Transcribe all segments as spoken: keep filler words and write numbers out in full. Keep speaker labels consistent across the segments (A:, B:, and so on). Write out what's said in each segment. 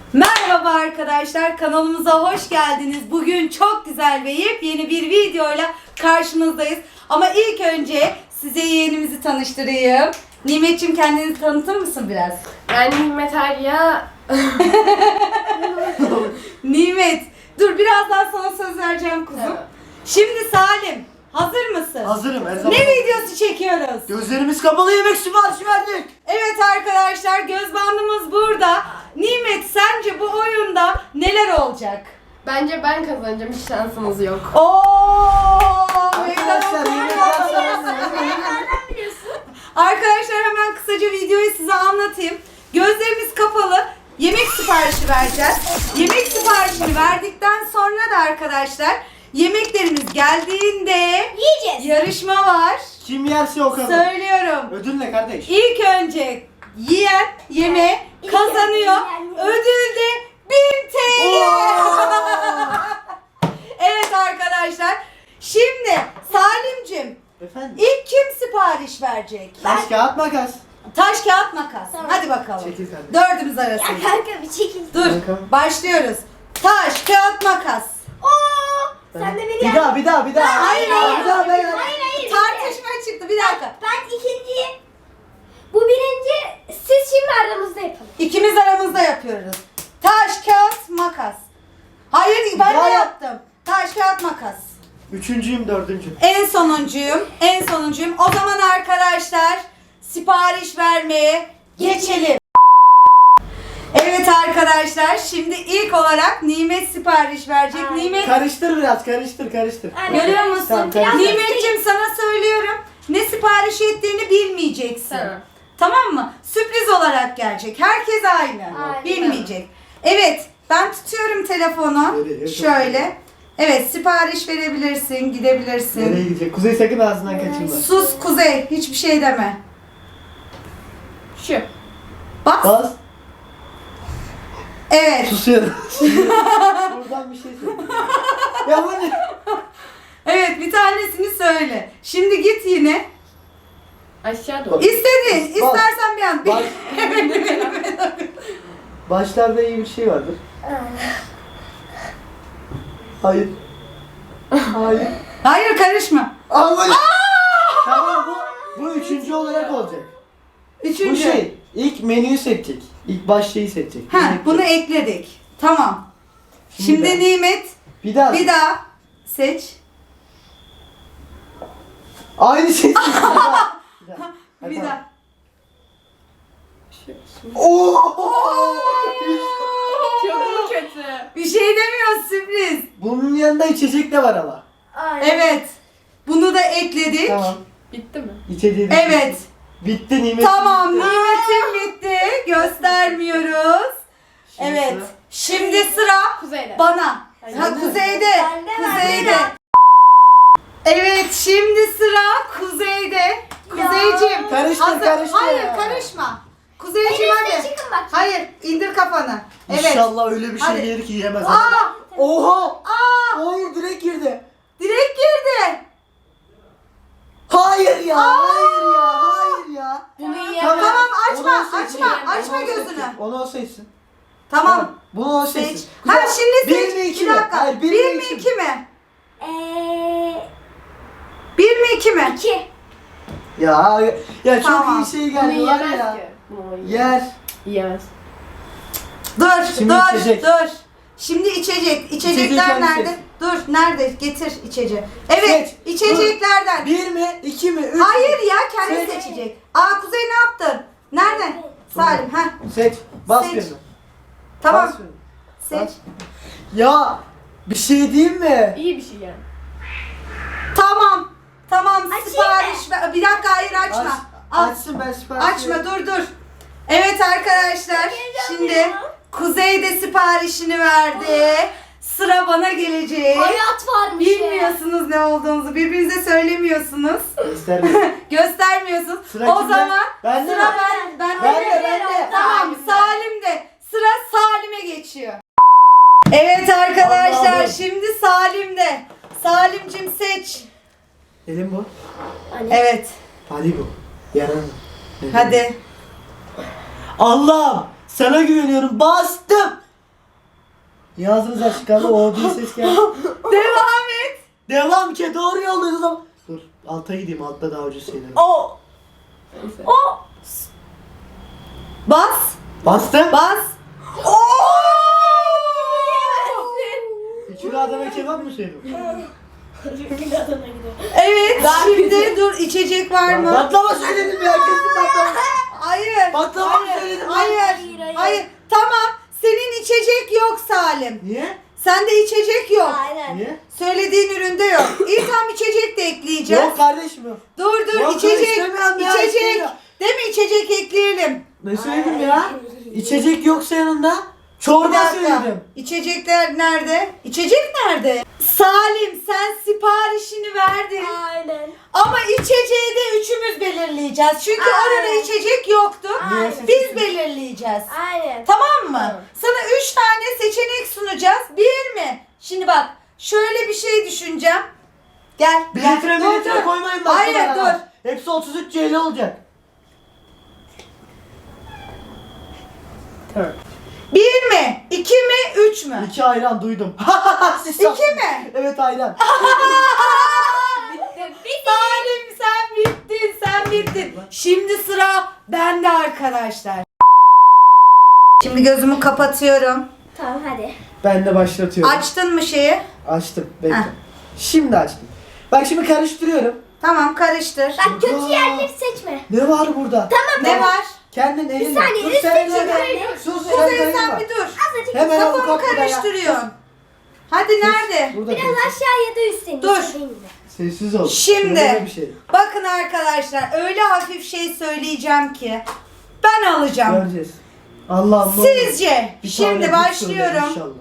A: Merhaba arkadaşlar, kanalımıza hoş geldiniz. Bugün çok güzel ve yepyeni bir videoyla karşınızdayız. Ama ilk önce size yeğenimizi tanıştırayım. Nimet'ciğim, kendini tanıtır mısın biraz?
B: Ben Nimet Arya.
A: Nimet, dur birazdan sana söz vereceğim kuzum.
B: Tamam.
A: Şimdi Salim, hazır mısın?
C: Hazırım her zaman.
A: Ne videosu çekiyoruz?
C: Gözlerimiz kapalı yemek siparişi verdik.
A: Evet arkadaşlar, göz bandımız burada. Nimet, sence bu oyunda neler olacak?
B: Bence ben kazanacağım, hiç şansınız yok.
A: Ooo!
C: Arkadaşlar yemek
A: Arkadaşlar hemen kısaca videoyu size anlatayım. Gözlerimiz kapalı. Yemek siparişi vereceğiz. Yemek siparişini verdikten sonra da arkadaşlar yemeklerimiz geldiğinde
D: Yiyeceğiz.
A: yarışma var.
C: Kim yerse o kadar.
A: Söylüyorum.
C: Ödül ne kardeş?
A: İlk önce yiyen yeme
D: İlk
A: kazanıyor.
D: önce yiyen-
A: Ödül de bin T L.
C: Oo!
A: Evet arkadaşlar. Şimdi Salimcim,
C: Efendim?
A: ilk kim sipariş verecek?
C: Taş kağıt makas.
A: Taş kağıt makas.
D: Tamam.
A: Hadi bakalım.
C: Çekil kardeşim.
A: Dördümüz
D: Ya
A: arasında.
D: kanka bir çekil.
A: Dur.
C: Bakalım.
A: Başlıyoruz. Taş kağıt makas.
D: Oo! Sen de beni
C: Bir daha bir daha bir daha.
A: Hayır,
C: Bir daha,
A: hayır.
C: bir daha ben.
D: Hayır hayır.
A: Tartışma çıktı. Bir dakika.
D: Ben ikinciyim. Bu birinci. Siz şimdi aranızda yapın.
A: İkimiz aramızda yapıyoruz. Taş kağıt makas. Hayır, ben
C: Ya
A: de
C: yap.
A: yaptım. Taş kağıt makas.
C: Üçüncüyüm dördüncü.
A: En sonuncuyum. En sonuncuyum. O zaman arkadaşlar sipariş vermeye geçelim. Evet arkadaşlar, şimdi ilk olarak Nimet sipariş verecek.
D: Ay.
A: Nimet,
C: Karıştır biraz karıştır karıştır.
D: Aynen.
A: görüyor musun?
C: Tamam, karıştır.
A: Nimet'ciğim, sana söylüyorum. Ne sipariş ettiğini bilmeyeceksin.
B: Tamam.
A: Tamam mı? Sürpriz olarak gelecek. Herkes aynı.
D: Aynen.
A: Bilmeyecek. Evet, ben tutuyorum telefonu.
C: Nereye?
A: Şöyle. Evet, sipariş verebilirsin, gidebilirsin.
C: Nereye gidecek? Kuzey sakın ağzından kaçırma.
A: Sus Kuzey, hiçbir şey deme.
B: Şu.
A: Bas.
C: Bas.
A: Evet.
C: Susuyorum. Buradan bir şey söyle. Ya bu ne?
A: Evet, bir tanesini söyle. Şimdi git yine.
B: Aşağı doğru.
A: İstedi.
C: Bas.
A: İstersen bir an.
C: Baş... Başlarda iyi bir şey vardır. Hayır. Hayır.
A: Hayır, karışma.
C: Ama tamam, bu bu üçüncü olarak olacak.
A: Üçüncü.
C: Bu şey ilk menüyü seçecek. İlk baş şeyi seçecek.
A: Ha,
C: Yemek
A: bunu
C: seçecek.
A: ekledik. Tamam.
C: Şimdi
A: Şimdi
C: ben-
A: Nimet,
C: bir daha.
A: bir daha seç.
C: Aynı şey. Bir daha. Bir daha.
A: Bir
C: Hadi.
A: daha.
B: Şu. Şu.
C: Oo!
B: Çok mu kötü?
A: Bir şey demiyor, sürpriz.
C: Bunun yanında içecek de var ama.
D: Aynen.
A: Evet. Bunu da ekledik.
C: Tamam.
B: Bitti mi?
C: İçeceği de-
A: Evet.
C: Bitti Nimet.
A: Tamam,
C: bitti.
A: Nimet'im bitti. Göstermiyoruz.
C: Şimdi
A: Evet.
C: sıra-
A: Şimdi sıra
B: Kuzeyde.
A: bana.
B: Hayır.
A: Ha, kuzeyde.
D: Bende,
A: Kuzeyde.
D: bende.
A: Evet, şimdi sıra kuzeyde. Kuzeyciğim.
C: Karıştır,
A: hazır-
C: karıştır
A: Hayır,
C: ya.
A: karışma.
D: En
A: Kuzeyciğim
D: üstte
A: hadi.
D: çıkın bak.
A: Hayır, indir kafanı. Evet.
C: İnşallah öyle bir şey
A: Hadi.
C: gelir ki yiyemez.
A: Aa!
C: Oha!
A: Aa!
C: Hayır, direkt girdi.
A: Direkt girdi.
C: Hayır ya, hayır ya, hayır ya.
B: Bunu
C: Tamam.
B: yiyemem.
A: Tamam,
C: Onu
A: açma,
C: o seçsin.
A: açma,
C: Onu
A: açma
C: o
A: gözünü.
C: seçsin. Onu o seçsin.
A: Tamam.
C: Bunu o
A: Seç.
C: seçsin.
A: Ha, şimdi
C: Bir
A: seç.
C: mi, iki
A: bir
C: mi?
A: dakika.
C: Hayır,
A: bir,
C: bir mi,
A: mi
C: iki mi?
A: iki mi?
D: Eee.
A: Bir mi iki mi?
D: İki.
C: Ya ya çok
A: Tamam.
C: iyi şey
B: Bunu
C: geldi var
B: yiyemez
C: ya.
B: ki. Bunu
C: Yer.
B: Yiyemez.
A: Dur,
C: Şimdi
A: dur,
C: içecek.
A: dur. Şimdi içecek. İçecekler
C: kendi
A: nerede?
C: seç.
A: Dur, nerede? Getir içeceği. Evet,
C: Seç.
A: içeceklerden.
C: Bir mi, iki mi, üç mü?
A: Hayır ya, kendi
C: Seç.
A: seçecek. Aa, Kuzey ne yaptın? Nerede? Salim, ha.
C: Seç. Bas
A: Seç.
C: gözünü.
A: Tamam.
C: Bas gözünü.
A: Seç.
C: Bas. Ya bir şey diyeyim mi?
B: İyi bir şey yani.
A: Tamam. Tamam,
D: Açayım
A: sipariş ver. Bir dakika, hayır açma.
C: Aç,
A: Al.
C: açsın ben sipariş
A: Açma,
C: vereyim.
A: dur dur. Evet arkadaşlar, şimdi Kuzey de siparişini verdi. Sıra bana gelecek.
D: Hayat varmış ya.
A: Bilmiyorsunuz ne olduğunuzu, birbirinize söylemiyorsunuz.
C: İster
A: Göstermiyorsunuz.
C: Sıra
A: o
C: kimde?
A: zaman
C: Bende
A: sıra
C: mi?
A: ben, ben,
C: Ben de, ben de.
A: Tamam, Salim'de. Sıra Salim'e geçiyor. Evet arkadaşlar,
C: Allah'ım.
A: şimdi Salim'de. Salim'cim seç.
C: Elim bu.
A: Evet,
C: Hadi bu. Yarın.
A: hadi.
C: Allah'ım sana güveniyorum. Bastım. Niye ağzınız açık kaldı? O bir ses geldi.
A: Devam et.
C: Devam ki doğru yoldayız ama. Dur alta gideyim, altta daha ucuz şeyler.
A: O.
B: Neyse.
A: O. Bas.
C: Bastım.
A: Bas. Oo!
C: İki Adana kebap mı söyledim?
A: Evet. Şimdi dur, içecek var mı?
C: Baklava söyledim ya, kesin baklava.
A: Hayır.
C: Baklava mı
A: Hayır.
C: söyledim?
A: Hayır.
D: Hayır, hayır.
A: Hayır. Tamam. Senin içecek yok Salim.
C: Niye?
A: Sende içecek yok.
D: Aynen.
C: Niye?
A: Söylediğin üründe yok. İyi, tam içecek de ekleyeceğiz.
C: Yok kardeşim yok.
A: Dur dur,
C: Yok,
A: içecek.
C: istemiyorum ya,
A: İçecek.
C: istemiyorum.
A: Değil mi, içecek ekleyelim.
C: Ne söyledim ya? İçecek yoksa yanında
A: Bir
C: çorba
A: dakika.
C: söyledim.
A: İçecekler nerede? İçecek nerede? Salim, sen siparişini verdin.
D: Aynen.
A: Ama içeceği de üçümüz belirleyeceğiz. Çünkü
D: Aynen.
A: orada içecek yoktu.
C: Aynen.
A: Biz belirleyeceğiz.
D: Aynen.
A: Tamam mı?
B: Tamam.
A: Sana üç tane seçenek sunacağız. Bir mi? Şimdi bak, şöyle bir şey düşüneceğim. Gel.
C: Bir
A: gel.
C: litre bir
A: Dur,
C: litre
A: dur.
C: koymayın bak.
A: Hayır,
C: bu kadar.
A: dur.
C: Hepsi otuz üç C L olacak.
B: Tamam.
A: Bir mi? İki mi? Üç mü?
C: İki ayran duydum. Siz
A: İki mi?
C: Evet ayran.
A: Salim, sen bittin, sen bittin. Şimdi sıra bende arkadaşlar. Şimdi gözümü kapatıyorum.
D: Tamam hadi.
C: Ben de başlatıyorum.
A: Açtın mı şeyi?
C: Açtım. Bekle.
A: Heh.
C: Şimdi açtım. Bak şimdi karıştırıyorum.
A: Tamam, karıştır.
D: Bak kötü
C: Aa.
D: yerleri seçme.
C: Ne var burada?
A: Ne var?
C: Kendin elinle.
D: saniye,
C: Dur
D: üst
C: sen
D: seçim
C: elinle.
D: öyle.
C: Sus
A: Kuzey,
C: sen
A: sen
C: kayırma.
A: bir dur.
D: Azıcık
C: Hemen
A: Kafamı
C: avukat burada ya.
A: karıştırıyorsun. Hadi nerede?
C: Burada
D: biraz
C: karıştır.
D: aşağı ya da üstten.
A: Dur.
D: istediğin gibi.
C: Sessiz ol.
A: Şimdi.
C: Böyle bir şey.
A: Bakın arkadaşlar, öyle hafif şey söyleyeceğim ki ben alacağım.
C: Göreceğiz. Allah'ım ne olur.
A: Sizce?
C: Bir
A: Şimdi
C: tane buz söyle
A: başlıyorum.
C: inşallah.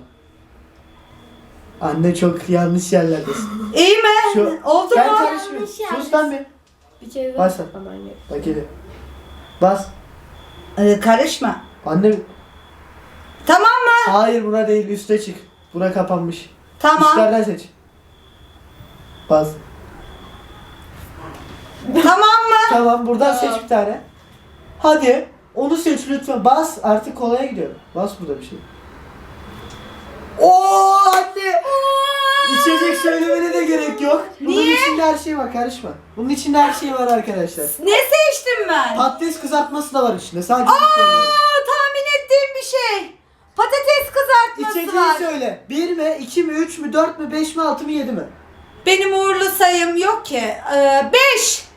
C: Anne çok yanlış yerlerdesin.
A: İyi mi?
C: Şu-
A: Oldu
C: Sen
A: mu?
C: karışmıyor.
D: Yanlış
C: Sus lan bir.
B: Bir kere daha.
C: Başla.
B: Aman yok.
C: Bak hele. Bas.
A: Ee, karışma.
C: Anne.
A: Tamam mı?
C: Hayır buna değil, üste çık. Bura kapanmış.
A: Tamam.
C: Üstlerden seç. Bas.
A: Tamam mı?
C: Tamam buradan
B: Tamam.
C: seç bir tane. Hadi. Onu seç lütfen. Bas. Artık kolaya gidiyor. Bas burada bir şey. Oo anne. İçecek söylemene de gerek yok. Bunun
A: Niye?
C: içinde her şey var, karışma. Bunun içinde her şey var arkadaşlar.
A: Ne seçtim ben?
C: Patates kızartması da var içinde. Sadece
A: Aa,
C: bunu söylüyorum.
A: tahmin ettiğim bir şey. Patates kızartması
C: İçeceği
A: var.
C: söyle. Bir mi, iki mi, üç mü, dört mü, beş mi, altı mı, yedi mi?
A: Benim uğurlu sayım yok ki. Ee, beş.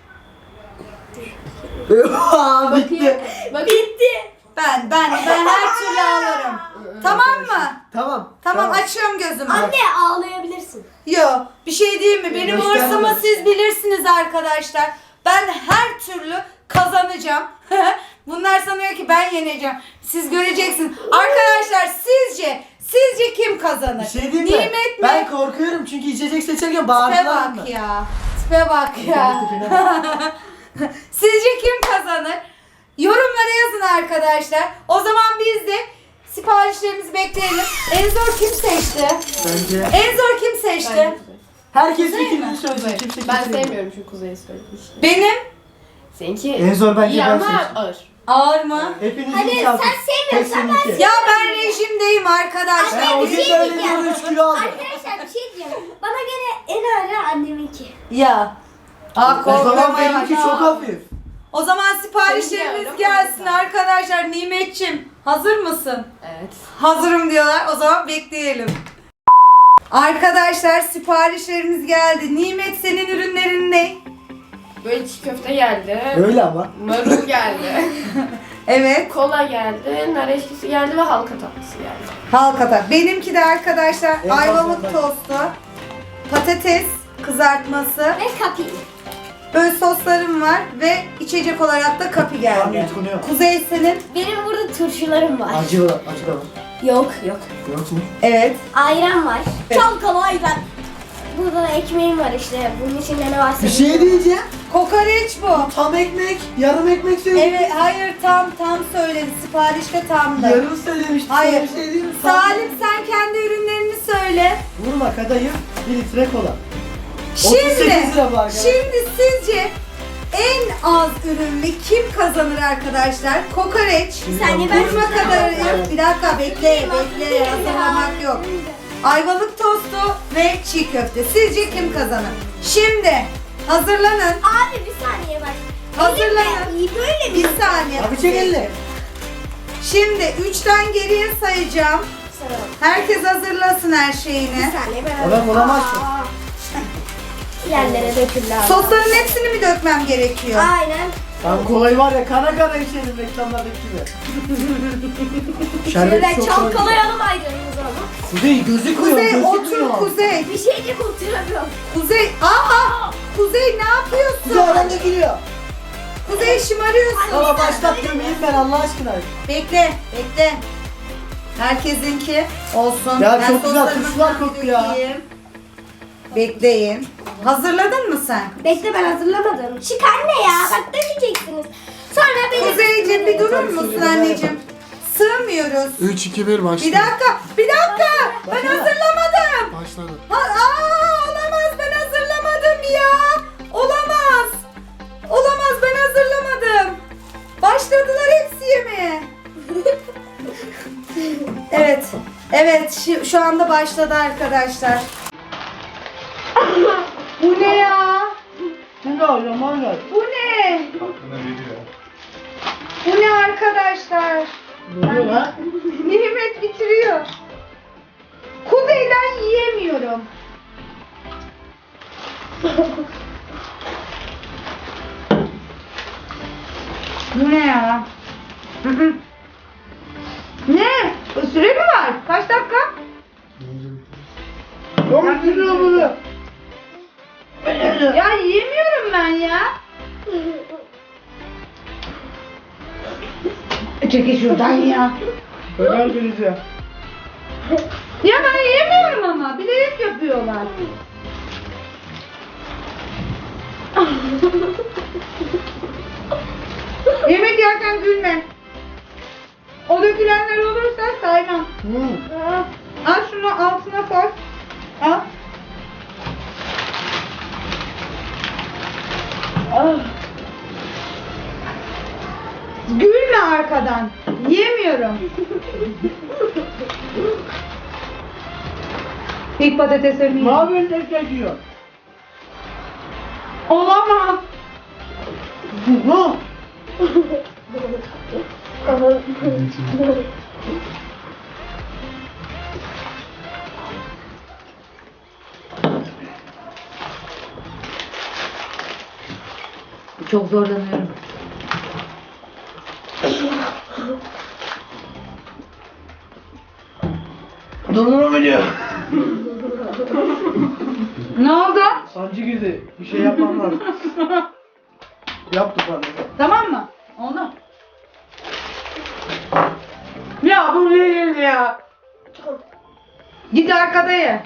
C: Aa, bitti.
B: Bak.
A: Bitti. Ben, ben, ben her türlü alırım. Tamam mı?
C: Tamam.
A: Tamam, açıyorum gözümü.
D: Anne ağlayabilirsin.
A: Yo, bir şey değil mi? Benim
C: Gösterme.
A: hırsımı siz bilirsiniz arkadaşlar. Ben her türlü kazanacağım. Bunlar sanıyor ki ben yeneceğim. Siz göreceksiniz. Arkadaşlar sizce, sizce kim kazanır?
C: Bir şey diyeyim mi?
A: Nimet mi?
C: Ben korkuyorum çünkü içecek seçerken
A: Tipe
C: bağırdılar
A: bak
C: mı?
A: ya. Tipe bak ya. Sizce kim kazanır? Yorumlara yazın arkadaşlar. O zaman biz de siparişlerimizi bekleyelim. En zor kim seçti?
C: Bence
A: En zor kim seçti?
B: Ben,
C: herkes
A: Kuzey
C: fikrini
A: mi?
C: söylesin. Kimse
B: ben
C: kimse
B: sevmiyorum çünkü Kuzey'i söyledim işte.
A: Benim.
B: Seninki
C: En zor bence
B: iyi
C: ben
B: ama
C: seçtim.
B: ağır.
A: Ağır mı?
C: Hepinizin
D: Hadi
C: çarpı.
D: sen sevmiyorsan ben
C: seninki.
A: Ya ben rejimdeyim arkadaşlar.
C: Ben o
D: bir
C: gün
D: şey
C: böyle
D: diyeceğim.
C: diyorum üç kilo aldım.
D: Arkadaşlar bir şey diyeceğim. Bana göre en ağırı anneminki.
A: Ya. Aa,
C: O zaman
A: korkmaya
C: benimki
A: bak.
C: çok hafif.
A: O zaman siparişlerimiz
B: Seninki
A: gelsin
B: öyle mi?
A: arkadaşlar. Nimetçim, hazır mısın?
B: Evet.
A: Hazırım diyorlar. O zaman bekleyelim. Arkadaşlar siparişlerimiz geldi. Nimet, senin ürünlerin ne?
B: Böyle çiğ köfte geldi.
C: Öyle ama.
B: Marul geldi.
A: Evet.
B: Kola geldi. Nar eşkisi geldi ve halka tatlısı geldi.
A: Halkata. Benimki de arkadaşlar
C: En
A: ayvalık
C: fazla ben.
A: tostu, patates kızartması,
D: Ve kapı.
A: böyle soslarım var ve içecek olarak da kapi
C: Tam
A: geldi.
C: yutkunuyor.
A: Kuzey senin?
D: Benim burada turşularım var.
C: Acı var. Acı da var.
D: Yok yok.
C: Yok mu?
A: Evet.
D: Ayran var.
A: Evet.
D: Çalkalı ayran. Burada da ekmeğim var işte. Bunun içinde ne varsa.
C: Bir şey diyeceğim.
A: Kokoreç bu.
C: Tam ekmek, yarım ekmek söyledim.
A: Evet, hayır tam tam söyledi. Siparişte tamdı.
C: Yarım söylemiştim.
A: Hayır.
C: Sana bir şey diyeyim mi? Tam-
A: Salim, sen kendi ürünlerini söyle.
C: Vurma kadayıf, bir litre kola. otuz
A: Şimdi,
C: sekiz lira bu arkadaşlar.
A: şimdi sizce en az ürünlü kim kazanır arkadaşlar? Kokoreç.
D: Bir saniye, ben
A: Vurma
D: şunu
A: kadar.
D: alayım.
A: Bir dakika bekle bekle. Hazırlamak yok. Ayvalık tostu ve çiğ köfte. Sizce kim kazanır? Şimdi hazırlanın.
D: Abi bir saniye bak.
A: Hazırlanın.
D: İyi böyle
A: Bir
D: mi?
A: saniye.
C: Abi çek elini.
A: Şimdi üçten geriye sayacağım. Herkes hazırlasın her şeyini.
D: Bir saniye ben
C: Adam olamazsın.
D: Aa. Yerlere döküldü abi.
A: Sosların hepsini mi dökmem gerekiyor?
D: Aynen.
C: Abi kolayı var ya kana kana içelim reklamlardaki gibi. Şerbeti
D: Şöyle
C: çok
D: çalkalayalım ayranımızı ama.
C: Kuzey gözükmüyor.
A: Kuzey
C: gözükmüyor.
A: otur Kuzey.
D: Bir şeycik oturamıyorum.
A: Kuzey aa Kuzey ne yapıyorsun?
C: Kuzey aranda geliyor.
A: Kuzey şımarıyorsun.
C: Ama başlat gömeyim ben Allah aşkına.
A: Bekle bekle. Herkesinki olsun.
C: Ya
A: Ben
C: çok güzel,
A: soslarımı
C: turşular
A: falan
C: koktu ya.
A: dökeyim. Bekleyin. Hazırladın mı sen?
D: Bekle ben hazırlamadım. Çık anne ya. Bak dökeceksiniz. Sonra beni...
A: Kuzeyciğim bir durur musun anneciğim? Sığmıyoruz.
E: üç iki bir başladı.
A: Bir dakika, bir dakika. Ben hazırlamadım.
E: Başladı.
A: Ha, aa, olamaz ben hazırlamadım ya. Olamaz. Olamaz ben hazırlamadım. Başladılar hepsi yemeğe. Evet. Evet şu, şu anda başladı arkadaşlar. Bu ne ya?
C: Şimdi alacağım hala.
A: Bu ne? Bu ne arkadaşlar?
C: Ne oluyor lan?
A: Nimet bitiriyor. Kuzeyden yiyemiyorum. Bu ne ya? Hı hı. Ne? Süre mi var? Kaç dakika?
C: Çok güzel bunu.
A: Ya yiyemiyorum ben ya. Çekil şuradan ya.
C: Ömer geleceğim.
A: Ya ben yiyemiyorum ama. Bilerek yapıyorlar. Yemek yerken gülme. O dökülenler olursa saymam.
C: Hmm.
A: Al şunu altına koy. Al. Ah. Gülme arkadan. Yemiyorum. İlk patateslerimi
C: Ne
A: yedim.
C: yapıyorsun tek yiyor?
A: Olamaz.
C: Ne?
A: Çok zorlanıyorum.
C: Durduramıyor.
A: Ne oldu?
C: Sancı girdi. Bir şey yapmam lazım. Yaptı bana.
A: Tamam mı? Oldu. Ya bu değil ya. Git arkada ye.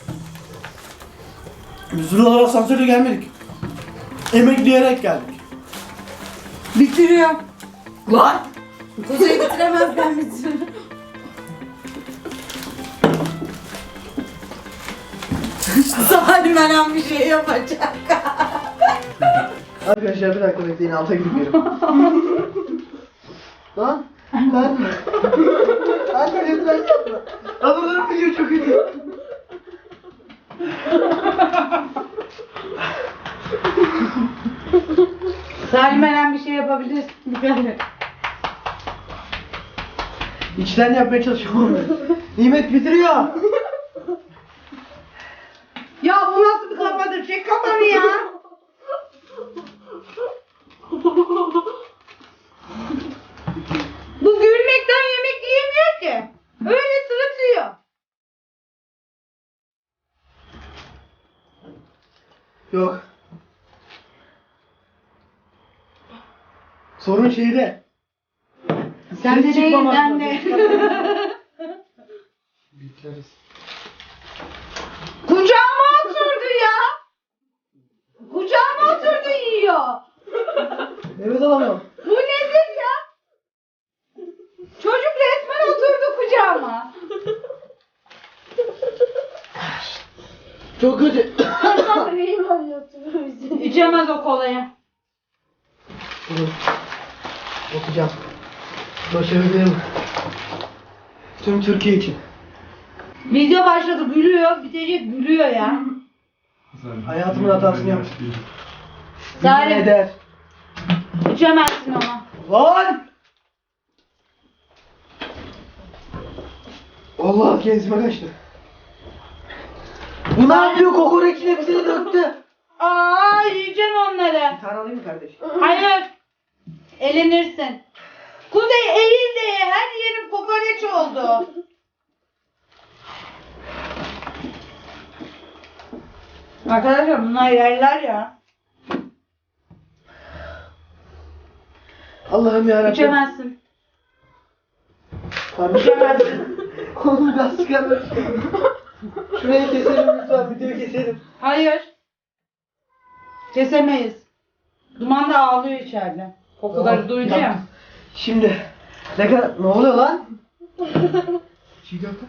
C: Biz buralara asansörle gelmedik. Emekleyerek geldik.
A: Bitiriyor. Lan. Kuzey bitiremez ben bitiririm. Salim hemen bir şey yapacak.
C: Arkadaşlar bir dakika bekleyin alta gidip yerim. Lan ben ben lütfen yapma. Adamların video çok kötü.
A: Salim hemen bir şey yapabilir. Dikkat et.
C: İçten yapmaya çalışıyorum ben. Nimet bitiriyor.
A: Ya bu nasıl bir kafadır? Çek kafanı ya. Bu gülmekten yemek yiyemiyor ki. Öyle sırıtıyor.
C: Yok. Sorun şeyde.
A: Sen de
C: Ses
A: değil,
C: çıkmamak
A: ben
C: lazım.
A: de.
E: Biteriz.
A: Kucağıma oturdu ya. Kucağıma oturdu yiyor.
C: Nefes alamıyorum.
A: Bu nedir ya? Çocuk resmen oturdu kucağıma.
C: Çok kötü.
D: Benim anlatıyorum.
A: İçemez o kolayı.
C: Bunu okuyacağım. Başarabilirim. Tüm Türkiye için.
A: Video başladı gülüyor. Bitecek gülüyor ya.
C: Hayatımın hatasını yaptım.
A: Salim.
C: Yemin eder.
A: İçemezsin ama.
C: Lan! Allah genzime kaçtı. Bu ne yapıyor? Kokoreçin hepsini döktü.
A: Aa yiyeceğim onları.
C: Bir tane alayım mı kardeş?
A: Hayır. Elenirsin. Kuzey eğil de ye. Her yerim kokoreç oldu. Arkadaşlar bunlar yerler ya.
C: Allah'ım yarabbim.
A: İçemezsin.
C: Pardon.
A: İçemezsin.
C: Oğlum gaz çıkarmış. Şurayı keselim lütfen. Videoyu keselim.
A: Hayır. Kesemeyiz. Duman da ağlıyor içeride. Kokuları
C: Tamam,
A: duydu ya.
C: yaptım. Şimdi ne kadar ne oluyor lan? Çiğ köfte.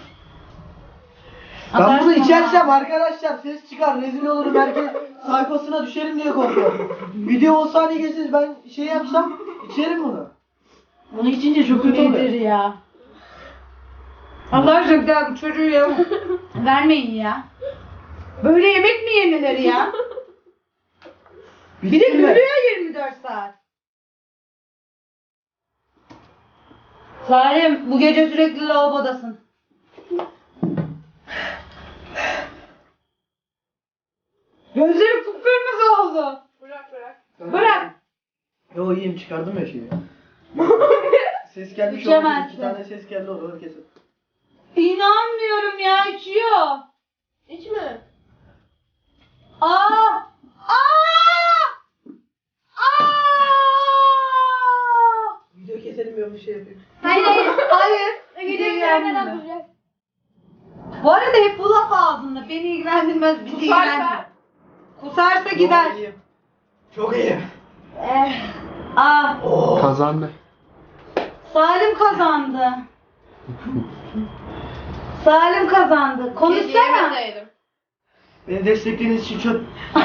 C: Ben
A: Atarsın
C: bunu
A: ama.
C: içersem arkadaşlar ses çıkar, rezil olurum, herkes sayfasına düşerim diye korkuyorum. Video on saniye geçsiniz, ben şey yapsam içerim bunu. Bunu içince çok kötü
A: Nedir
C: oluyor.
A: ya? Allah aşkına ya bu çocuğu ya. Vermeyin ya. Böyle yemek mi yenilir ya? Bir de
C: Bitti mi?
A: gülüyor yirmi dört saat. Salim bu gece sürekli lavabodasın. Gözleri kıpkırmızı oldu.
B: Bırak bırak.
A: Bırak.
C: Yo iyiyim, çıkardım ya şeyi. Ses gelmiş oldu,
A: İçemezsin.
C: iki tane ses geldi orada kesin.
A: İnanmıyorum ya içiyor.
B: İçme.
A: Aa! Aa! Aa!
C: Video keselim ya bir şey yapayım.
D: Hayır hayır.
A: Hayır.
D: Videoyu
A: ilgilendirmez.
D: görmeden duracak.
A: Bu arada hep bu laf ağzında. Beni ilgilendirmez. Bizi ilgilendirmez.
B: Kusarsa.
A: Kusarsa gider.
C: Yo, iyiyim. Çok iyiyim.
D: Eh.
A: Aa!
C: Oh.
E: Kazandı.
A: Salim kazandı. Salim kazandı. Konuşsana.
B: Yemeseydim.
C: Beni desteklediğiniz için çok...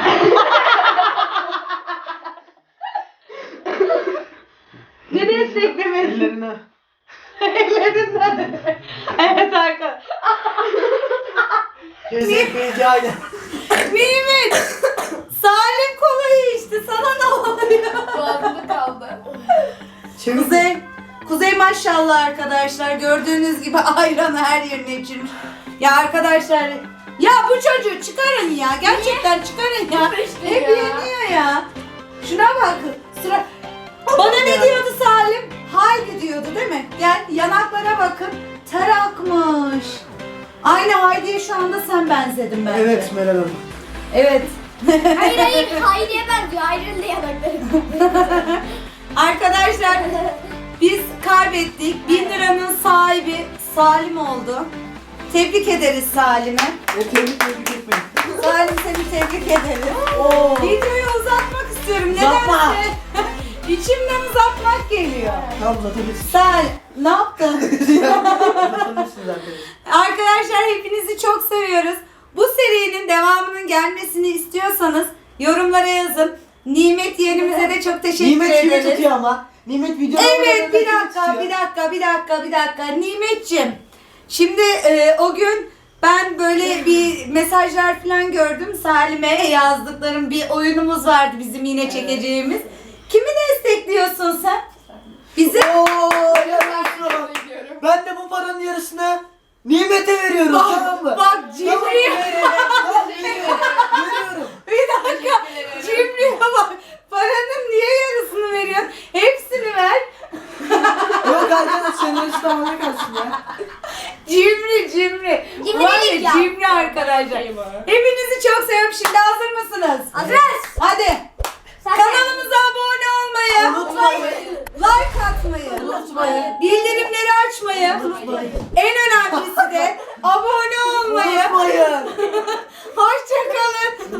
A: Ne desteklemesi?
C: Ellerine...
A: Ellerinden. Evet arkadaşlar.
C: Kesinlikle aynen.
A: Nimet. Salim kolayı içti. Sana ne oluyor?
B: Boğazımda kaldı.
A: Kuzey. Kuzey maşallah arkadaşlar. Gördüğünüz gibi ayranı her yerine içirmiş. Ya arkadaşlar. Ya bu çocuğu çıkarın ya. Gerçekten çıkarın ya.
B: İşte
A: Hep
B: ya.
A: yeniyor ya. Şuna bak. Sıra... Bana ne diyordu Salim? Haydi diyordu değil mi? Gel yanaklara bakın. Ter akmış. Aynı Haydi'ye şu anda sen benzedin bence.
C: Evet Meral Hanım.
A: Evet.
D: Hayır hayır. Hayriye benziyor. Ayrıldı yanakları.
A: Arkadaşlar biz kaybettik. Bin liranın sahibi Salim oldu. Tebrik ederiz Salim'e.
C: Ve tebrik tebrik etmeyin.
A: Salim seni tebrik ederiz.
C: Oo.
A: Videoyu uzatmak istiyorum.
C: Uzatma.
A: Nedense içimden uzatmak geliyor.
C: Tamam uzatabilirsiniz.
A: Salim ne yaptın?
C: Uzatabilirsiniz arkadaşlar.
A: Arkadaşlar hepinizi çok seviyoruz. Bu serinin devamının gelmesini istiyorsanız yorumlara yazın. Nimet yeğenimize de çok teşekkür
C: Nimet kimi
A: ederiz.
C: tutuyor ama? Nimet video
A: Evet bir dakika bir dakika bir dakika bir dakika Nimetciğim. Şimdi e, o gün ben böyle bir mesajlar falan gördüm. Salim'e yazdıklarım, bir oyunumuz vardı bizim yine çekeceğimiz. Kimi destekliyorsun sen? Bizi?
C: Ooo yarasın. Ben de bu paranın yarısını Nimet'e veriyorum, tamam mı?
A: Bak
C: Tamam,
A: Cimri'ye
C: veriyorum. Tamam, veriyorum. Veriyorum.
A: bir dakika Cimri'ye bak. Paranın niye yarısını veriyorsun? Hepsini ver.
C: Yok arkadaş senarist tamamen kalsın ya.
A: Cimri cimri.
D: Cimrilik
A: Var ya,
D: ya.
A: cimri arkadaşlar. Hepinizi çok seviyorum. Şimdi hazır mısınız?
D: Hazırız.
A: Hadi.
D: Sen
A: Kanalımıza abone olmayı,
C: Unutmayın.
A: like atmayı,
C: Unutmayın.
A: bildirimleri açmayı, en önemlisi de abone olmayı.
C: Unutmayın.
A: Hoşçakalın.